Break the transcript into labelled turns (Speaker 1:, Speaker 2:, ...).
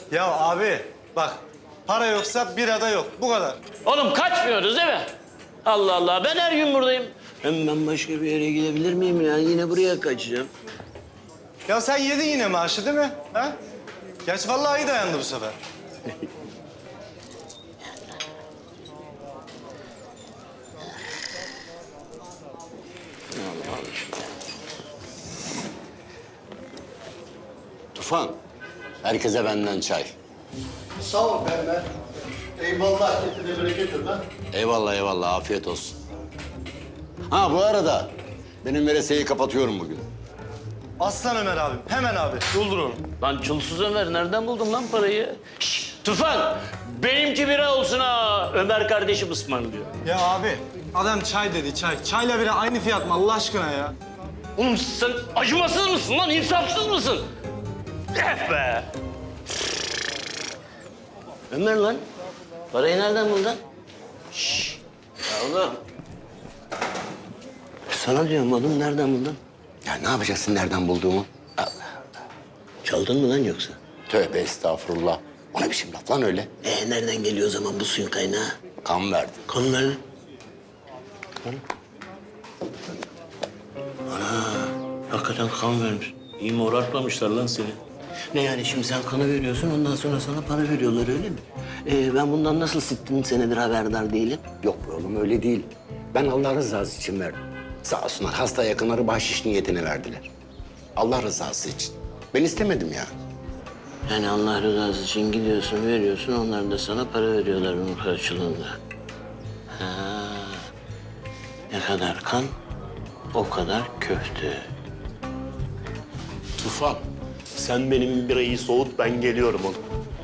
Speaker 1: Ya abi bak para yoksa birada yok. Bu kadar.
Speaker 2: Oğlum kaçmıyoruz değil mi? Allah Allah, ben her gün buradayım.
Speaker 3: Hem ben başka bir yere gidebilir miyim ya? Yine buraya kaçacağım.
Speaker 1: Ya sen yedin yine maaşı değil mi? Ha? Gerçi vallahi iyi dayandı bu sefer.
Speaker 3: Tufan, herkese benden çay.
Speaker 4: Sağ ol Berber. Eyvallah, kesine bereket ver lan.
Speaker 3: Eyvallah eyvallah, afiyet olsun. Ha bu arada benim veresiyeyi kapatıyorum bugün.
Speaker 1: Aslan Ömer abim. Hemen abi. Doldur onu.
Speaker 2: Lan çulsuz Ömer, nereden buldun lan parayı? Şşş, Tufan, benimki bira olsun ha. Ömer kardeşim ısmarlıyor.
Speaker 1: Ya abi adam çay dedi çay. Çayla bira aynı fiyat mı Allah aşkına ya?
Speaker 2: Oğlum sen acımasız mısın lan, insafsız mısın? Eh be!
Speaker 3: Ömer lan, parayı nereden buldun?
Speaker 2: Ya oğlum,
Speaker 3: Sana diyorum oğlum, nereden buldun? Ya ne yapacaksın nereden bulduğumu? Allah Allah. Çaldın mı lan yoksa? Tövbe estağfurullah. O ne biçim laf lan öyle? Nereden geliyor o zaman bu suyun kaynağı? Kan verdim. Kan verdin?
Speaker 2: hakikaten kan vermiş. İyi morartmamışlar lan seni.
Speaker 3: Ne yani şimdi sen kanı veriyorsun ondan sonra sana para veriyorlar öyle mi? Ben bundan nasıl 60 senedir haberdar değilim? Yok be oğlum öyle değil. Ben Allah rızası için verdim. Sağ olsunlar hasta yakınları bahşiş niyetine verdiler. Allah rızası için. Ben istemedim ya. Yani Allah rızası için gidiyorsun, veriyorsun. Onlar da sana para veriyorlar bunun karşılığında. Ha. Ne kadar kan, o kadar köfte.
Speaker 5: Tufan, sen benim birayı soğut, ben geliyorum oğlum.